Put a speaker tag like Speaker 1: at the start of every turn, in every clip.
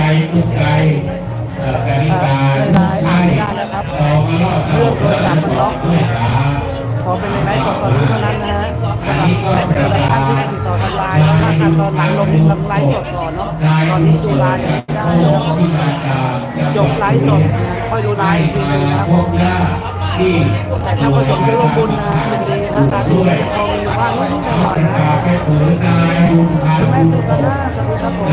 Speaker 1: กุ๊กไก่กานิการใช่เรามาล่อเรื่องโทรศัพท์มันล็อก
Speaker 2: ขอเป็นในไลฟ์สดตอนนี้เท่านั้นนะฮะสำหรับแต่ละท่านที่ติดต่อทางไลน์แล้วถ้าการตอนหลังลงไลฟ์สดก่อนเนาะตอนนี้ดูไลน์ไม่ได้แล้วจบไลฟ์สดค่อยดูไลน์อีกทีนึงนะครับแต่ถ้าผสมด้วยร่วมบุญนะเป็นดีนะการดูแลพอมีว่านิดๆหน่อยๆนะคุณแม่สุสานาสวัสดีครับผม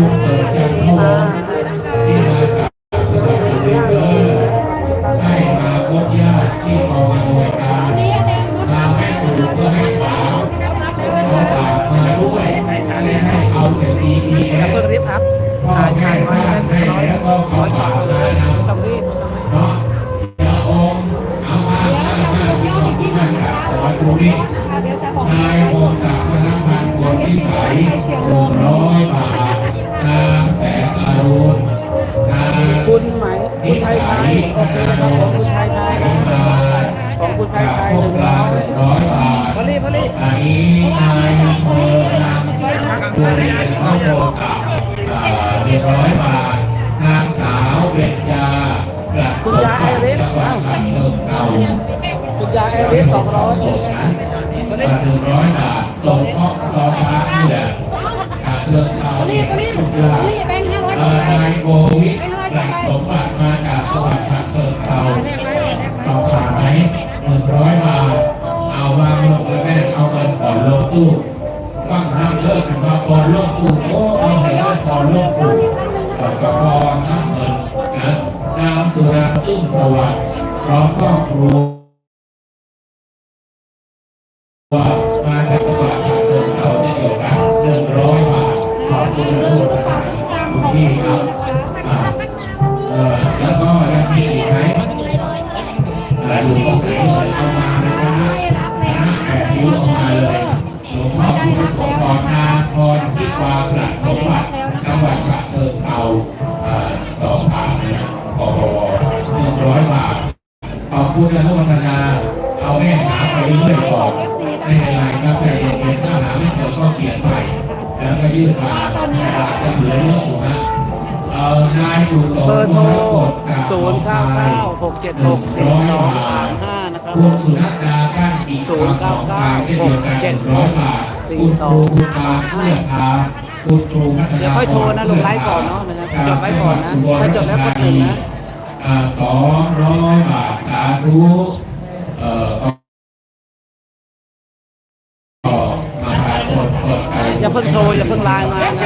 Speaker 1: ให้มาพบญาติที่กองอำนวยการมาให้ครูเพื่อให้ถามขอฝากมาด้วยให้เอาแต่ทีนี้
Speaker 2: เพิ่งรีบอัพถ่ายไว้ได้สักร้อยช็อตเลยไม่ต้องรีบ
Speaker 1: เนาะจะองค์เอามาที่นั่นครับขอดูนี่นายพงศักดิ์ชนะพันธ์บัวพิสัย100 บาทนางแสงอรุณ
Speaker 2: คุณไหมคุณไทยไทยโอเคครับผมคุณไทยไทยของคุณไทยไทย
Speaker 1: 100 บาท
Speaker 2: พอลี่
Speaker 1: อันนี้นายอำเภอนางตัวเรียนข้าวโพดกับ100 บาทนางสาวเบญจา
Speaker 2: คุณยาไอริสคุณยาไอริส200
Speaker 1: 100 บาทตรงข้อซอสนี่แหละเชิญชาวทุกอย่างนายโกวิทหลักสมบัติมาจากจังหวัดฉะเชิงเทราสอบถามไหม100 บาทเอาวางลงแล้วแม่เอาเงินก่อนลงตู้ฟังนั่งเลิกถึงมาก่อนลงตู้โอ้เอาเงินก่อนลงตู้ก่อนกระพรทั้งเงินนะนามสุราตุ้งสวัสดิ์พร้อมครอบครัวมาจากจังหวัดฉะเชิงเทราเช่นเดียวกัน100 บาทขอบคุณทุกท่านคุณพี่ครับแล้วก็ยังมีอีกไหมหลวงพ่อเอามานะครับแบบนิ้วออกมาเลยหลวงพ่อผู้สมพรนาพรที่วาหลักสมบัติจังหวัดฉะเชิงเทราสอบถามนะปปว100 บาทขอบคุณอนุโมทนาเอาแม่หาไปเรื่อยก่อนไม่เป็นไรครับใจเย็นๆถ้าหาไม่เจอก็เขียนใหม่แล้วก็ยื่นมาจะเหลือเยอะอยู่นะนายกุศล
Speaker 2: เบอร์โทร0996764235นะครับ0996764235เดี๋ยวค่อยโทรนะลงไลฟ์ก่อนเนาะนะครับจดไว้ก่อนนะถ้าจดแล้วก็1นะ
Speaker 1: 200 บาทสาธุมาหาคนเปิดใจ
Speaker 2: อย่าเพิ่งโทรอย่าเพิ่งไลน์มานะ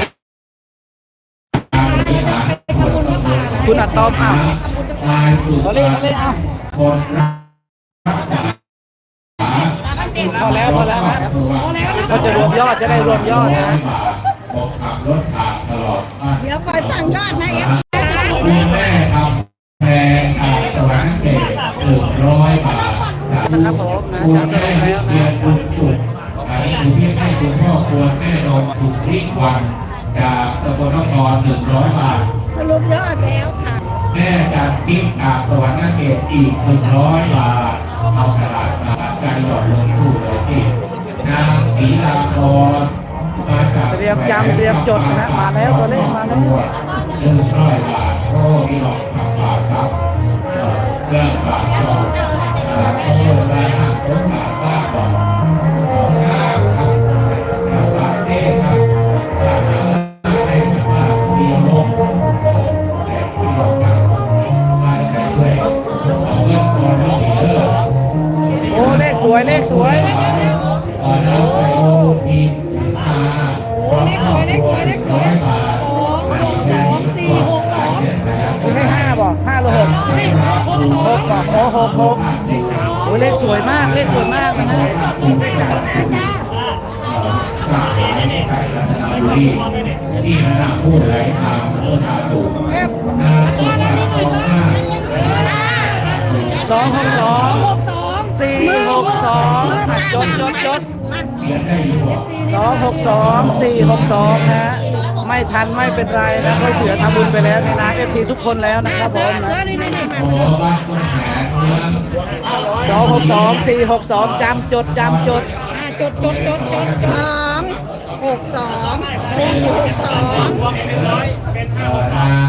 Speaker 2: คุณอัดตอมอ้าวเราเล่นอ้าว
Speaker 1: คนรักษา
Speaker 2: พอแล้วนะก็จะรวมยอดจะได้รวมยอดนะ
Speaker 1: ผมขับรถผ่านตลอด
Speaker 3: เดี๋ยวคอยฟังยอดนะ
Speaker 1: คุณแม่ทำแพงสวรรค์เกศ100 บาท
Speaker 2: นะครับผมนะ
Speaker 1: คุณ
Speaker 2: จะส
Speaker 1: แม่
Speaker 2: รุปแล้ว
Speaker 1: เชีย
Speaker 2: นะ
Speaker 1: ร์บุญสุขคุณที่ให้คุณพ่อควรแม่นมถูกทิ้งวันจากสกลนคร100 บาท
Speaker 3: สรุปยอดแล้วค่ะ
Speaker 1: แม่จากปิ๊กจากสวรรค์เกศอีก100 บาทเอากระดาษมาใจหยอดลงตู้เลยที่นางศรีลาพรมาจาก
Speaker 2: เตรียมจำเตรียมจดนะฮะมาแล้วตัวเลขมาแล้ว
Speaker 1: 100 บาทโอ้มีหลอกขับฝาซับเรื่องฝาซองโอ้ลายหักรถฝาซ่าก่อนฝาเซ่ครับในฝาเดียวลงแต่ที่หลอกกันมาแต่ด้วยเอาเงินก่อนลงเยอะ
Speaker 2: โอ้เลขสวย
Speaker 1: แล้วไปมีสินค้า
Speaker 3: เลขสวย262 462
Speaker 2: ไม่ใช่5บอก5หรือ6 6บอกโอ้6โอ้เลขสวยมากนะฮะ
Speaker 1: ที่มาพูดอะไรทำเมื่อถามถูก
Speaker 2: 262 462จด262 462นะไม่ทันไม่เป็นไรนะเพราะเสือทำบุญไปแล้วในนาม FC ทุกคนแล้วนะครับผมนะ262 462จำจด
Speaker 3: จด262 462
Speaker 1: นาง